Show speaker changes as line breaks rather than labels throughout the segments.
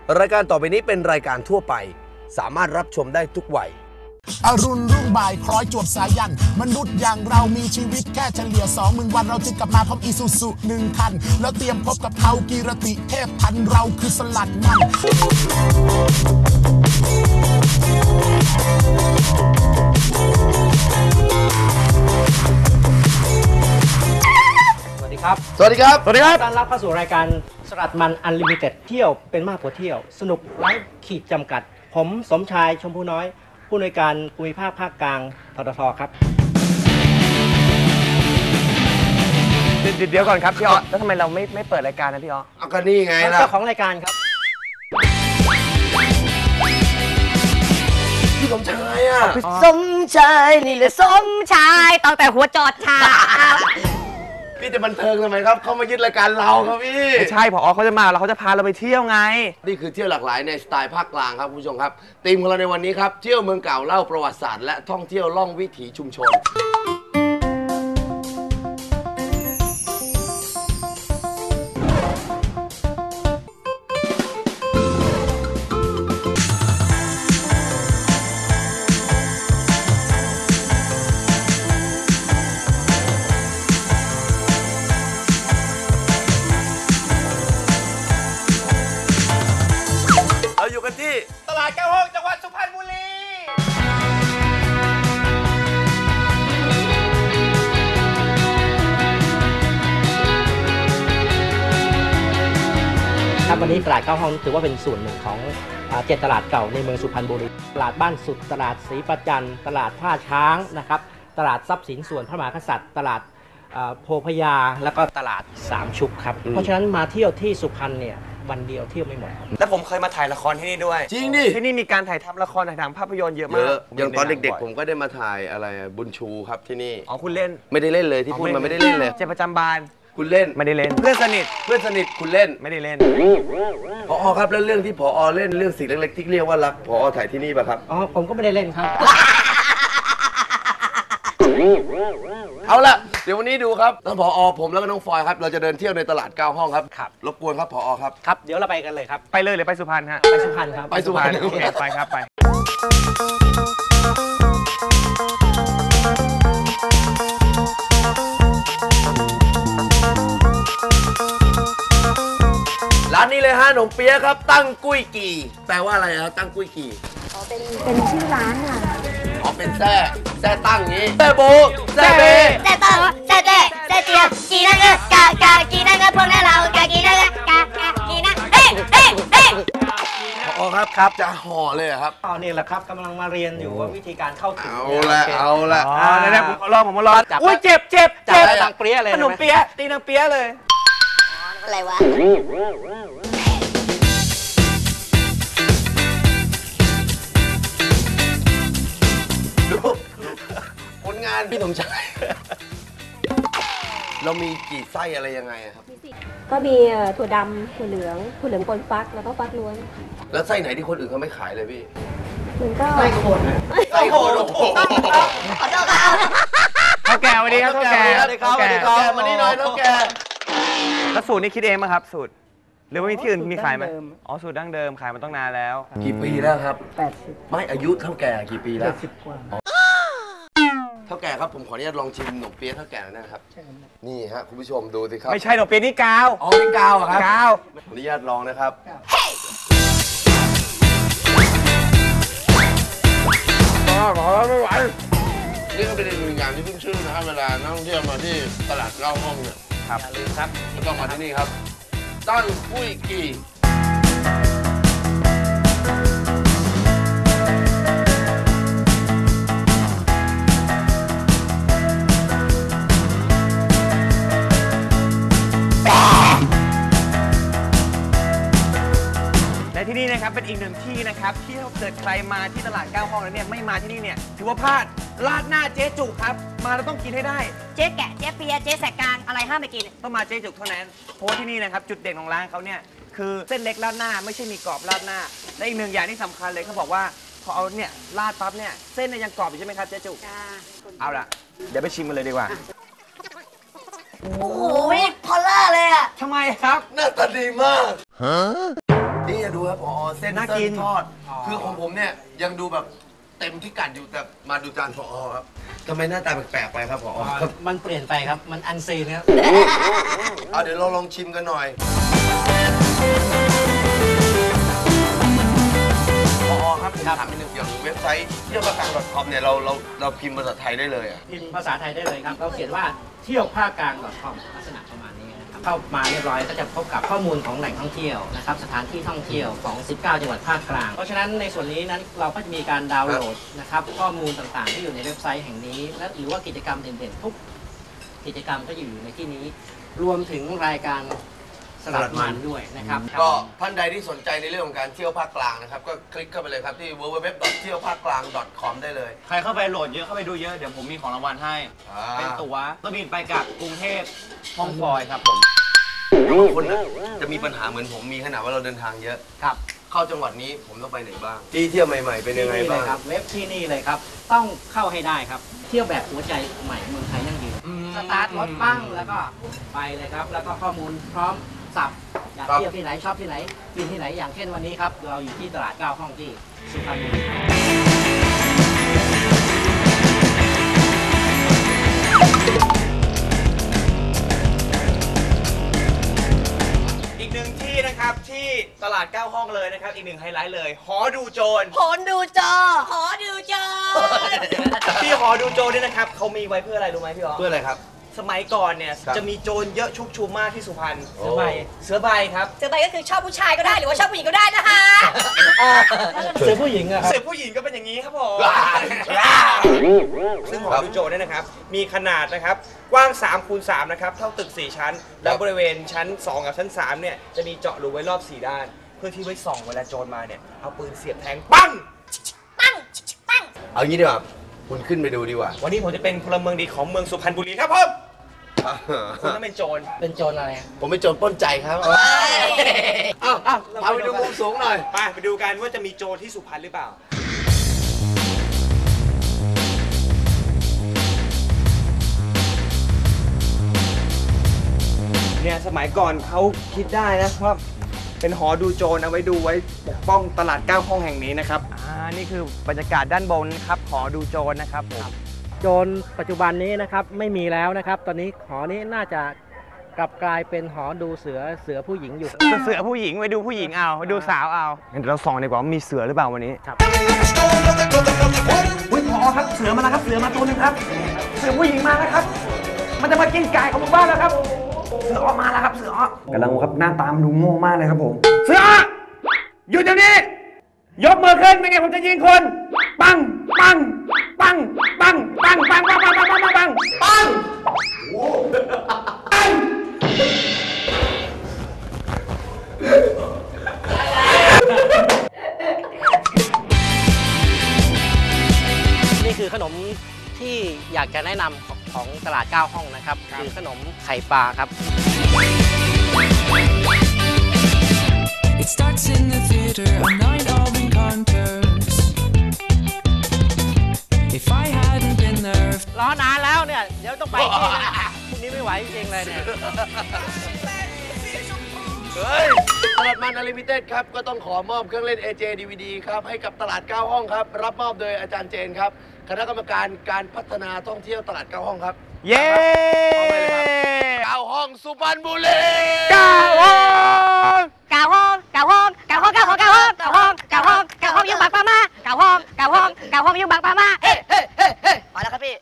รายการต่อไปนี้เป็นรายการทั่วไปสามารถรับชมได้ทุกวัย
อรุณรุ่งบ่ายคล้อยจวบสายันมนุษย์อย่างเรามีชีวิตแค่เฉลี่ย20,000 วันเราจึงกลับมาพร้อมอีซูซุ1 คันแล้วเตรียมพบกับเขากีรติเทพพันเราคือสลัดมัน
สวัสดีครับ
สวัสดีครับ
สวัสดีครับต้อนรับเข้าสู่รายการสลัดมันอันลิมิเต็ดเที่ยวเป็นมากกว่าเที่ยวสนุกไร้ขีดจำกัดผมสมชายชมพูน้อยผู้อำนวยการภูมิภาคภาคกลางทททครับ
เดี๋ยวก่อนครับพี่อ๊อแล้วทำไมเราไม่เปิดรายการนะพี่อ๊อ
ก็นี่ไงล่ะ
เจ้าของรายการครับ
พี่สมชายอ่ะ
สมชายนี่แหละสมชายตั้งแต่หัวจอดชา
พี่จะบันเทิงทำไมครับเขามายึดรายการเราครับพี่
ไม่ใช่ผอเขาจะมาแล้วเขาจะพาเราไปเที่ยวไง
นี่คือเที่ยวหลากหลายในสไตล์ภาคกลางครับคุณผู้ชมครับธีมของเราในวันนี้ครับเที่ยวเมืองเก่าเล่าประวัติศาสตร์และท่องเที่ยวล่องวิถีชุมชนอยู่กันที่ตลาด9 ห้องจังหวัดสุพรรณบุรี
ครับวันนี้ตลาด9 ห้องถือว่าเป็นส่วนหนึ่งของ7 ตลาดเก่าในเมืองสุพรรณบุรีตลาดบ้านสุดตลาดศรีประจันตลาดท่าช้างนะครับตลาดทรัพย์สินส่วนพระมหากษัตริย์ตลาดโพพยาแล้วก็ตลาด3 ชุกครับเพราะฉะนั้นมาเที่ยวที่สุพรรณเนี่ยวันเดียวเที่ยวไม่หมด
แล้วผมเคยมาถ่ายละครที่นี่ด้วย
จริงดิ
ที่นี่มีการถ่ายทำละครถ่ายทำภาพยนตร์เยอะมาก
อย่างตอนเด็กๆผมก็ได้มาถ่ายอะไรบุญชูครับที่นี่
อ๋อคุณเล่น
ไม่ได้เล่นเลยที่พูดมาไม่ได้เล่นเลย
เจ็บประจำบาน
คุณเล่น
ไม่ได้เล่นเพื่อนสนิท
คุณเล่น
ไม่ได้เล่น
ผอครับแล้วเรื่องที่ผอเล่นเรื่องสิ่งเล็กๆที่เรียกว่ารักผอถ่ายที่นี่ป่ะครับ
อ๋อผมก็ไม่ได้เล่นครับ
เอาละเดี๋ยววันนี้ดูครับทั้งผอผมแล้วก็น้องฟอยครับเราจะเดินเที่ยวในตลาด9 ห้องครับรบกวนครับผอครับ
ครับเดี๋ยวเราไปกันเลยครับ
ไปเลยหรือไปสุพรรณฮะ
ไปสุพรรณครับ
ไปสุพรรณ
โอเคไปครับไป
ร้านนี้เลยฮะขนมเปี๊ยะครับตั้งกุ้ยกี่แปลว่าอะไรครับตั้งกุ้ยกี่
อ๋อเป็นชื่อร้านค่ะ
อ๋อเป็นแซ่ตั้งงี้แซ่โบแซ่เบ
แซ่ตังแซ่เต้แซ่เจียกีนังกากากีนังพวกนั้นเรากากีนังกากีนังเฮ้
ผอครับจะห่อเลยครับ
อ๋อนี่แหละครับกำลังมาเรียนอยู่ว่าวิธีการเข้าถึง
เอาละ
เนี่ยผมมาลองอุ้ยเจ็บ
ตังเปี๊ยะเลย
ขนมเปี๊ยะตีนางเปี๊ยะเลย
อะไรวะ
ดูผลงานพี่สมชายเรามีกี่ไส้อะไรยังไงครับ
ก็มีถั่วดำถั่วเหลืองปนฟักแล้วก็ฟักล้วน
แล้วไส้ไหนที่คนอื่นเขาไม่ขายเลยพี่
มันก็
ไส้โคน
ไส้โคน
ขอโทษครับ
เท่าแก่วันนี้ครับเท่าแก่
มานี่หน่อยเท่าแก่
แล้วสูตรนี้คิดเองไหมครับสูตรหรือว่ามีที่อื่นมีขายไหมอ๋อสูตรดั้งเดิมขายมาต้องนานแล้ว
กี่ปีแล้วครับ
80
ไม่อายุเท่าแก่กี่ปีแล้ว
10 กว่า
เท่าแก่ครับผมขออนุญาตลองชิมขนมเปี๊ยะเท่าแก่นะครับนี่ฮะคุณผู้ชมดูสิครับ
ไม่ใช่ขนมเปี๊ยะนี่กาว
อ๋อนี่กาวครับ
กาว
ขออนุญาตลองนะครับขอไม่ไหวนี่ก็เป็นอีกหนึ่งอย่างที่ขึ้นชื่อนะครับเวลานักท่องเที่ยวมาที่ตลาด9 ห้องเนี่ย
อย่าลืมครับ
ก็ต้องมาที่นี่ครับตั้งกุ้ยกี่
และที่นี่นะครับเป็นอีกหนึ่งที่นะครับที่ถ้าเกิดใครมาที่ตลาด9 ห้องแล้วเนี่ยไม่มาที่นี่เนี่ยถือว่าพลาดราดหน้าเจ๊จุกครับมาแล้วต้องกินให้ได้
เจ๊แกะเจ๊เปียเจ๊แสกกลางอะไรห้ามไปกิน
ต้องมาเจ๊จุกเท่านั้นเพราะที่นี่นะครับจุดเด่นของร้านเขาเนี่ยคือเส้นเล็กราดหน้าไม่ใช่มีกรอบราดหน้าและอีกหนึ่งอย่างที่สำคัญเลยเขาบอกว่าพอเอาเนี่ยราดปั๊บเนี่ยเส้นเนี่ยยังกรอบอยู่ใช่ไหมครับเจ๊จุกเอาล่ะเดี๋ยวไปชิมกันเลยดีกว่า
โอ้โหพอลล่าเลยอะ
ทำไมครับ
หน้าตาดีมากนี่ดูครับผอเส้น
น่ากิน
ทอด คือของผมเนี่ยยังดูแบบเต็มพิกัดอยู่แต่มาดูจานผอครับทำไมหน้าตาแปลกๆไปครับผอครับ
มันเปลี่ยนไปครับ มันอันซีนครับ
เอาเดี๋ยวเราลองชิมกันหน่อยผอครับผมถามนิดนึงอย่างเว็บไซต์เที่ยวภาคกลาง .com เนี่ยเราพิมพ์ภาษาไทยได้เลยอ่ะ
พิมพ์ภาษาไทยได้เลยครับ เราเขียนว่าเที่ยวภาคกลาง .com ลักษณะประมาณนี้นะครับเข้ามาเรียบร้อยก็จะพบกับข้อมูลของแหล่งท่องเที่ยวนะครับสถานที่ท่องเที่ยวของ 19 จังหวัดภาคกลาง เพราะฉะนั้นในส่วนนี้นั้นเราก็จะมีการดาวน์โหลดนะครับข้อมูลต่างๆที่อยู่ในเว็บไซต์แห่งนี้และหรือว่ากิจกรรมเด่นๆทุกกิจกรรมก็อยู่ในที่นี้ รวมถึงรายการสลัดมันด้วยนะครับ
ก็ท่านใดที่สนใจในเรื่องของการเที่ยวภาคกลางนะครับก็คลิกเข้าไปเลยครับที่ www.tionภาคกลาง .com ได้เลย
ใครเข้าไปโหลดเยอะเข้าไปดูเยอะเดี๋ยวผมมีของรางวัลให้ เป็นตั๋วก็บินไปกับกรุงเทพฮ่องกงครับผม
บางคนนะจะมีปัญหาเหมือนผมมีขนาดว่าเราเดินทางเยอะ
ครับ
เข้าจังหวัดนี้ผมต้องไปไหนบ้างที่เที่ยวใหม่ๆเป็นยังไง
ที่นี่เล
บ้าย ง
ครับเว็บที่นี่เลยครับต้องเข้าให้ได้ครับเที่ยวแบบหัวใจใหม่เมืองไทยยั่งยืนสตาร์ทรถปั้งแล้วก็ไปเลยครับแล้วก็ข้อมูลพร้อมสับอยากเที่ยวที่ไหนชอบที่ไหนกินที่ไหนอย่างเช่นวันนี้ครับเราอยู่ที่ตลาด9 ห้องที่สุพรรณบุรี
อีกหนึ่งที่นะครับที่ตลาด 9 ห้องเลยนะครับอีกหนึ่งไฮไลท์เลยหอดูโจร
หอนดูจอหอดูจอ
ที่หอดูโจรเนี่ยนะครับเขามีไว้เพื่ออะไรรู้ไหมพี่อ๋อ
เพื่ออะไรครับ
สมัยก่อนเนี่ย
ครับ
จะมีโจรเยอะชุกชุมมากที่สุพรรณ
โอ้
เสือใบครับ
เจอไปก็คือชอบผู้ชายก็ได้หรือว่าชอบผู้หญิงก็ได้นะคะ
เสือผู้หญิงอะครับ
เสือผู้หญิงก็เป็นอย่างนี้ครับผม ซึ่งหอดูโจรเนี่ยนะครับมีขนาดนะครับกว้าง3 คูณ 3นะครับเท่าตึก 4 ชั้น แล้วบริเวณชั้น 2 กับชั้น 3เนี่ยจะมีเจาะรูไว้รอบ 4 ด้าน เพื่อที่ไว้ส่องเวลาโจรมาเนี่ยเอาปืนเสียบแทงปัง
ปั้งปั้ง
เอางี้ดีกว่าคุณขึ้นไปดูดีกว่า
วันนี้ผมจะเป็นพลเมืองดีของเมืองสุพรรณบุรีครับผม คุณต้องเป็นโจร
เป็นโจรอะไรอะ
ผมไปโจรปล้นใจครับอ้าวพาไปดูมุมสูงหน่อย
ไปดูกันว่าจะมีโจรที่สุพรรณหรือเปล่า เนี่ยสมัยก่อนเขาคิดได้นะว่าเป็นหอดูโจรเอาไว้ดูไว้ปกป้องตลาด 9 ห้องแห่งนี้นะครับนี่คือบรรยากาศด้านบนครับหอดูโจรนะครับผม
โจรปัจจุบันนี้นะครับไม่มีแล้วนะครับ ตอนนี้หอนี้น่าจะกลับกลายเป็นหอดูเสือผู้หญิงอยู่
เสือผู้หญิงไปดูผู้หญิงเอาไปดูสาวเอางั้นเดี๋ยวเราส่องดีกว่าว่ามีเสือหรือเปล่าวันนี้
ครับ
อุ้ยพอครับเสือมาแล้วครับเสือมาตัวนึงครับ เสือผู้หญิงมาแล้วครับ มันจะมากินไก่ของหมู่บ้านแล้วครับเสือออกมาแล้วครับเสือออกกำลังครับหน้าตามดูโง่มากเลยครับผมเสือหยุดเดี๋ยวนี้ยกมือขึ้นไม่งั้นผมจะยิงคนปังปังปังปังปังปังปังปังปังปังปังปังปัง
นี่คือขนมที่อยากจะแนะนำของตลาด 9 ห้องนะครับคือขนมไข่ปลาครับ
It starts in the theater, a night of encounters. If I hadn't been there,
รอนานแล้วเนี่ย เดี๋ยวต้องไปที่นะพรุ่งนี้ไม่ไหวจริงๆเลยเนี่ย
เฮ้ยตลาดมันอลิมิเต็ดครับ ก็ต้องขอมอบเครื่องเล่น AJ DVD ครับ ให้กับตลาด 9 ห้องครับ รับมอบโดยอาจารย์เจนครับ คณะกรรมการการพัฒนาท่องเที่ยวตลาด 9 ห้องครับ
เย้
เอาไปเลยครับ 9 ห้องสุพรรณบุรี
9 ห้อง
เก่าห้องเก่าห้องเก่าห้องเก่าห้องเก่าห้องเก่าห้องเก่าห้องเก่าห้องยุ่งบางปามาเก่าห้องเก่าห้องเก่าห้องยุ่งบางปามาเฮ้เฮ้เฮ้เฮ้พอแล้วครับพี่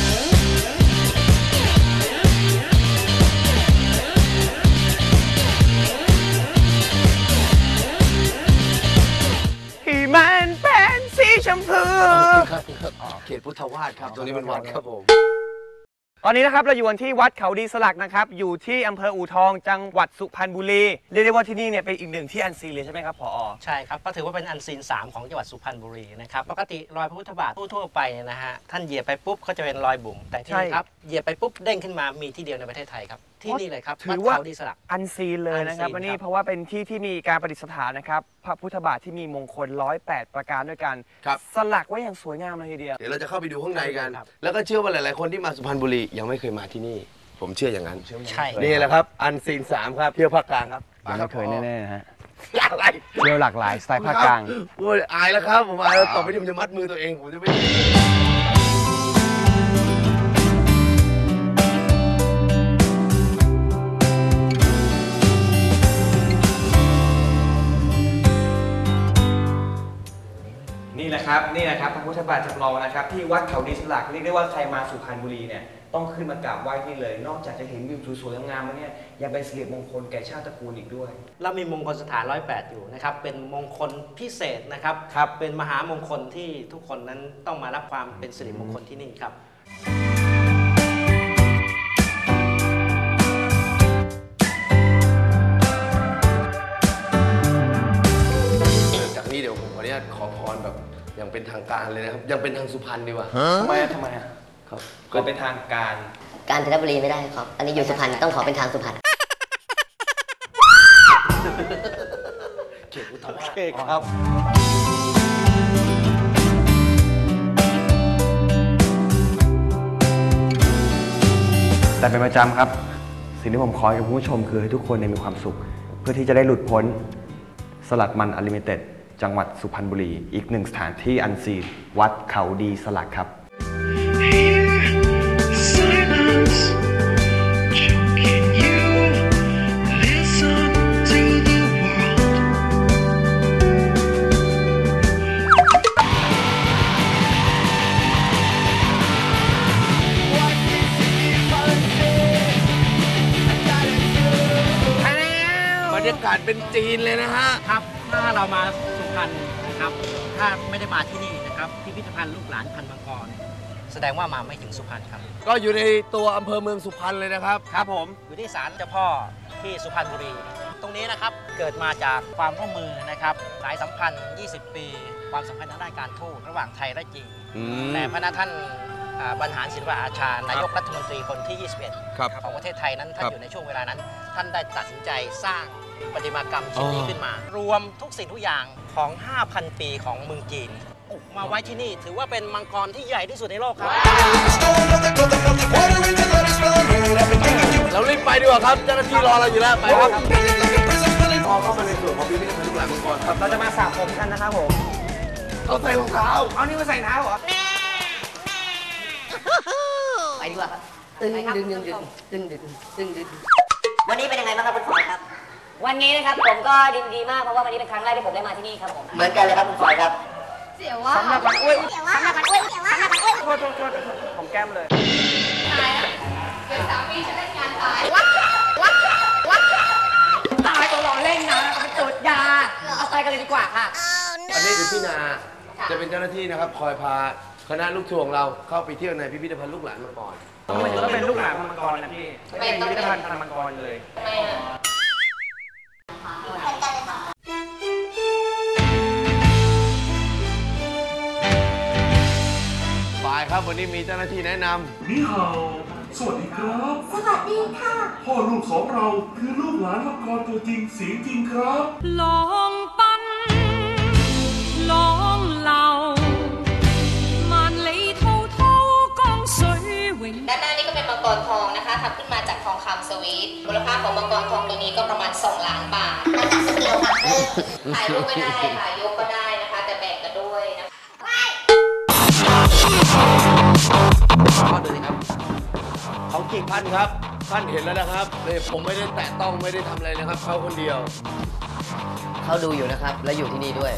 ที่มันเป็นสีชมพู
ครับเขตพุทธวาสครับ ตรงนี้เป็นวัดครับผม
ตอนนี้นะครับเราอยู่กันที่วัดเขาดีสลักนะครับอยู่ที่อำเภออู่ทองจังหวัดสุพรรณบุรีเรียกได้ว่าที่นี่เนี่ยเป็นอีกหนึ่งที่อันซีนเลยใช่ไหมครับผอ
ใช่ครับก็ถือว่าเป็นอันซีน 3 ของจังหวัดสุพรรณบุรีนะครับปกติรอยพระพุทธบาททั่วๆไปเนี่ยนะฮะท่านเหยียบไปปุ๊บก็จะเป็นรอยบุ๋มแต่ที่นี่ครับเหยียบไปปุ๊บเด้งขึ้นมามีที่เดียวในประเทศไทยครับที่นี่เลยครับวัดเขาดีสลัก
อันซีนเลยนะครับ
อันซีน
วันนี้
ครับ
เพราะว่าเป็นที่ที่มีการประดิษฐานนะครับพระพุทธบาทที่มีมงคล108 ประการด้วยกัน
ครับ
สลักไว้อย่างสวยงามเลยทีเดียว
เดี๋ยวเราจะเข้าไปดูข้างในกัน
ครับ
แล้วก็เชื่อว่าหลาย ๆ คนที่มาสุพรรณบุรียังไม่เคยมาที่นี่ ผมเชื่ออย่างนั้น
ใช่
นี่แหละครับ อันซีน 3 ครับ เที่ยวภาคกลางครับ
ยังไม่เคยแน่ๆนะฮะ
อะไร
เที่ยวหลากหลายสไตล์ภาคกลาง
โอ้ยอายแล้วครับผมอายแล้วต่อไปนี้ผมจะมัดมือตัวเองผมจะไม่
นี่แหละครับพระพุทธบาทจำลองนะครับที่วัดเขาดินสลักเรียกได้ว่าใครมาสุพรรณบุรีเนี่ยต้องขึ้นมากราบไหว้ที่เลย นอกจากจะเห็นวิวสวยๆงามๆแล้วเนี่ยยังเป็นสิริมงคลแก่ชาติตระกูลอีกด้วย
เรามีมงคลสถาน108อยู่นะครับเป็นมงคลพิเศษนะครับเป็นมหามงคลที่ทุกคนนั้นต้องมารับความเป็นสิริมงคลที่นี่ครับ
จากนี้เดี๋ยวผมขออนุญาตขอพรแบบอย่างเป็นทางการเลยนะครับยังเป็นทางสุพรรณดีกว่า
ทำไมครับก็เป็นทางการ
กาญจนบุรีไม่ได้ครับ อันนี้อยู่สุพรรณต้องขอเป็นทางสุพรรณ
โอเคครับแต่เป็นประจำครับสิ่งที่ผมขอให้กับผู้ชมคือให้ทุกคนมีความสุข เพื่อที่จะได้หลุดพ้นสลัดมันอลิมิเต็ดจังหวัดสุพรรณบุรีอีกหนึ่งสถานที่อันซีนวัดเขาดีสลักครับ
Silence, choking you. Listen to the world. What is people say? I gotta do.
บรรยากาศเป็นจีนเลยนะฮะ
ครับถ้าเรามาสุพรรณนะครับถ้าไม่ได้มาที่นี่นะครับพิพิธภัณฑ์ลูกหลานพันธุ์มังกรแสดงว่ามาไม่ถึงสุพรรณครับ
ก็อยู่ในตัวอำเภอเมืองสุพรรณเลยนะครับ
ครับผมอยู่ที่ศาลเจ้าพ่อที่สุพรรณบุรี ตรงนี้นะครับเกิดมาจากความร่วมมือนะครับสายสัมพันธ์ 20 ปี ความสัมพันธ์ทางด้านการทูตระหว่างไทยและจีนแต่พระนาท่านบรรหารศิลปอาชานายกรัฐมนตรีคนที่ 21 ของประเทศไทยนั้นท่านอยู่ในช่วงเวลานั้น ท่านได้ตัดสินใจสร้างประติมากรรมชิ้นนี้ขึ้นมา รวมทุกสิ่งทุกอย่างของ 5,000 ปีของเมืองจีนมาไว้ที่นี่ถือว่าเป็นมังกรที่ใหญ่ที่สุดในโลกครับ
เรารีบไปดีกว่าครับเจ้าหน้าที่รอเราอยู่แล้วไปครับพอเข้ามาในส่วนของพิพิธภัณฑ์ลูกหลานมังกรครับ
เราจะมาสระผมกันนะครับผม
เอาใส่รองเท้า
เอานี่มาใส่เท้าเหรอ
ไปดีกว่าครับตึงดึงดึงดึงดึงดึงดึงดึงวันนี้เป็นยังไงบ้างครับคุณฝอยครับ วันนี้นะครับผมก็ดีมากเพราะว่าวันนี้เป็นครั้งแรกที่ผมได้มาที่นี่ครับผม เหมือนกันเลยครับคุณฝอยครับ
สำหรับวันอุ้ยสำหรับวันอุ้ยโทษผมแก้มเลย
ตายตัวรอเล่นนะเอาไปตรวจยา เอาไปกันเลยดีกว่าค่ะ
อันนี้คือพี่นาจะเป็นเจ้าหน้าที่นะครับคอยพาคณะลูกทัวร์ของเราเข้าไปเที่ยวในพิพิธภัณฑ์ลูกหลานมังกร
ทำไมถึงต้องเป็นลูกหลานพันธุ์มังกรนะพี่ไม่เป็นพิพิธภัณฑ์พันธุ์มังกรเลย
ฝ่ายครับวันนี้มีเจ้าหน้าที่แนะนำ
นี่ฮาวสวัสดีครับ สวัสดีค่ะ พ่อลูกของเราคือลูกหลานมังกรตัวจริงเสียงจริงครับ
ลองปั้นลอง流萬里滔滔江水永
ด้านหน้านี่ก็เป็นมังกรทองนะคะทำขึ้นมาจากทองคำสวีทมูลค่าของมังกรทองตัวนี้ก็ประมาณ2 ล้านบาทมาจากสเกลค่ะถ่ายรูปก็ได้ถ่ายยกก็ได้นะคะ แต่แบ่งกันด้วยนะคะ
ข้อดูสิครับของจริงท่านครับท่านเห็นแล้วนะครับเลยผมไม่ได้แตะต้องไม่ได้ทำอะไรนะครับเขาคนเดียว
เขาดูอยู่นะครับ และอยู่ที่นี่ด้วย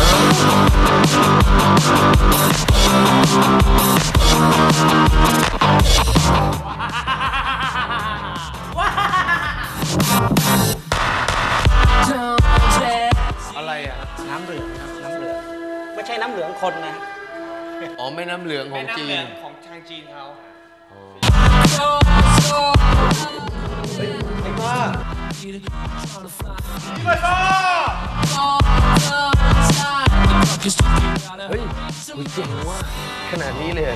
อะไรอ่ะ
น้ำเหลืองครับน้ำเหลืองไม่ใช่น้ำเหลืองคนนะ
อ๋อแม่น้ำเหลืองของจีน
ของทางจีนเขา
ไอ้บ้าเฮ้ยคุณเจ๋งว่ะขนาดนี้เลยเหรอ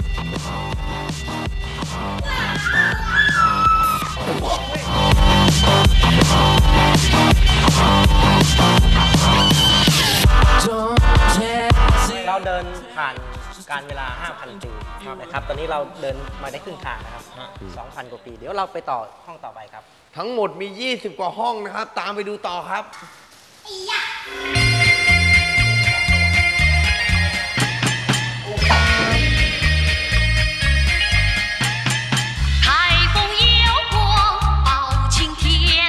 เราเดินผ่านการเวลา 5,000 ปีนะครับ ตอนนี้เราเดินมาได้ครึ่งทางนะครับ 2,000 กว่าปี เดี๋ยวเราไปต่อห้องต่อไปครับ
ทั้งหมดมี 20 กว่าห้องนะครับ ตามไปดูต่อครับ
台风摇过包青天。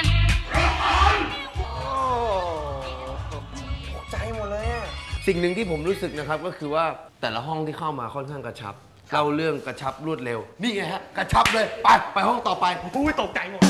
ใจหมดเลยอ่ะ
สิ่งหนึ่งที่ผมรู้สึกนะครับก็คือว่าแต่ละห้องที่เข้ามาค่อนข้างกระชับเล่าเรื่องกระชับรวดเร็ว นี่ไงฮะกระชับเลยไปห้องต่อไป
อุ้ยตกใจหมด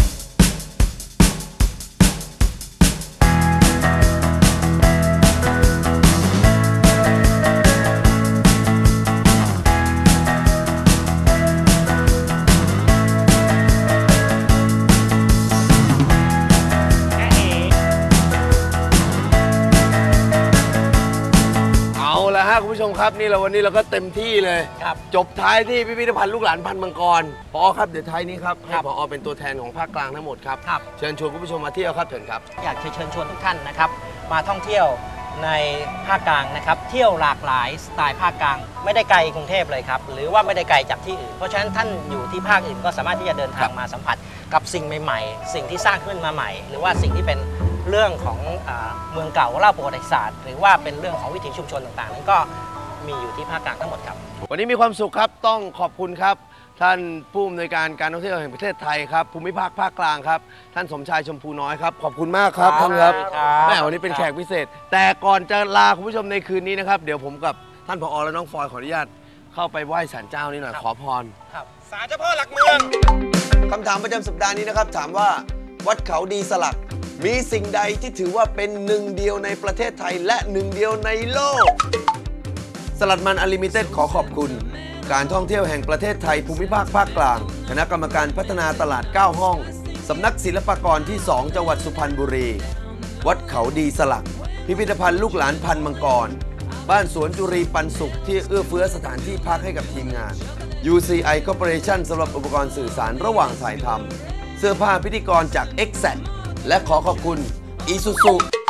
เอาละฮะคุณผู้ชมครับนี่วันนี้เราก็เต็มที่เลย
ครับ
จบท้ายที่พิพิธภัณฑ์ลูกหลานพันธุ์มังกรผอครับเดี๋ยวท้ายนี้ครับให้ผอเป็นตัวแทนของภาคกลางทั้งหมดครับ
ครับ
เชิญชวนคุณผู้ชมมาเที่ยวครับเชิญครับ
อยากจะเชิญชวนทุกท่านนะครับมาท่องเที่ยวในภาคกลางนะครับเที่ยวหลากหลายสไตล์ภาคกลางไม่ได้ไกลกรุงเทพเลยครับหรือว่าไม่ได้ไกลจากที่อื่น เพราะฉะนั้นท่านอยู่ที่ภาคอื่นก็สามารถที่จะเดินทางมาสัมผัสกับสิ่งใหม่ๆ สิ่งที่สร้างขึ้นมาใหม่ หรือว่าสิ่งที่เป็นเรื่องของเมืองเก่าเล่าประวัติศาสตร์ หรือว่าเป็นเรื่องของวิถีชุมชนต่างๆนั้นก็มีอยู่ที่ภาคกลางทั้งหมดครับ
วันนี้มีความสุขครับต้องขอบคุณครับท่านผู้อำนวยการการท่องเที่ยวแห่งประเทศไทยครับภูมิภาคภาคกลางครับท่านสมชายชมพูน้อยครับขอบคุณมากครับ
ครับ
ท่านครับ
ครับ
แม่วันนี้เป็นแขกพิเศษ แต่ก่อนจะลาคุณผู้ชมในคืนนี้นะครับเดี๋ยวผมกับท่านผอและน้องฟอยขออนุญาตเข้าไปไหว้ศาลเจ้านี่หน่อยขอพร
ครับ
ศาลเจ้าพ่อหลักเมือง
คำถามประจำสัปดาห์นี้นะครับถามว่าวัดเขาดีสลักมีสิ่งใดที่ถือว่าเป็นหนึ่งเดียวในประเทศไทยและหนึ่งเดียวในโลก สลัดมันอลิมิเต็ดขอขอบคุณ การท่องเที่ยวแห่งประเทศไทยภูมิภาคภาคกลาง คณะกรรมการพัฒนาตลาด 9 ห้อง สำนักศิลปากรที่ 2 จังหวัดสุพรรณบุรี วัดเขาดีสลัก พิพิธภัณฑ์ลูกหลานพันธุ์มังกร บ้านสวนจุรีปันสุขที่เอื้อเฟื้อสถานที่พักให้กับทีมงาน UCI Corporation สำหรับอุปกรณ์สื่อสารระหว่างถ่ายทำเสื้อผ้าพิธีกรจาก Exact และขอขอบคุณ Isuzu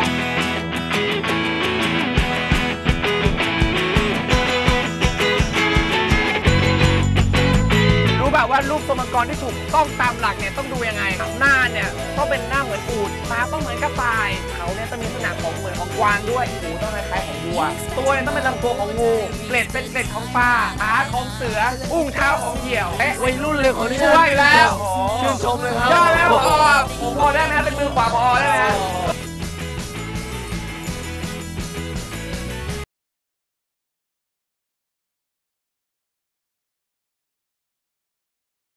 รู้ป่ะว่ารูปตัวมังกรที่ถูกต้องตามหลักเนี่ยต้องดูยังไง หน้าเนี่ยต้องเป็นหน้าเหมือนอูฐตาต้องเหมือนกระต่ายเขาเนี่ยต้องมีลักษณะของเหมือนของกวางด้วยหูต้องคล้ายๆของวัวตัวเนี่ยต้องเป็นลำตัวของงูเกล็ดเป็นเกล็ดของปลาขาของเสืออุ้งเท้าของเหยี่ยวและวัยรุ่นเลยของนี่ช่วยแล้ว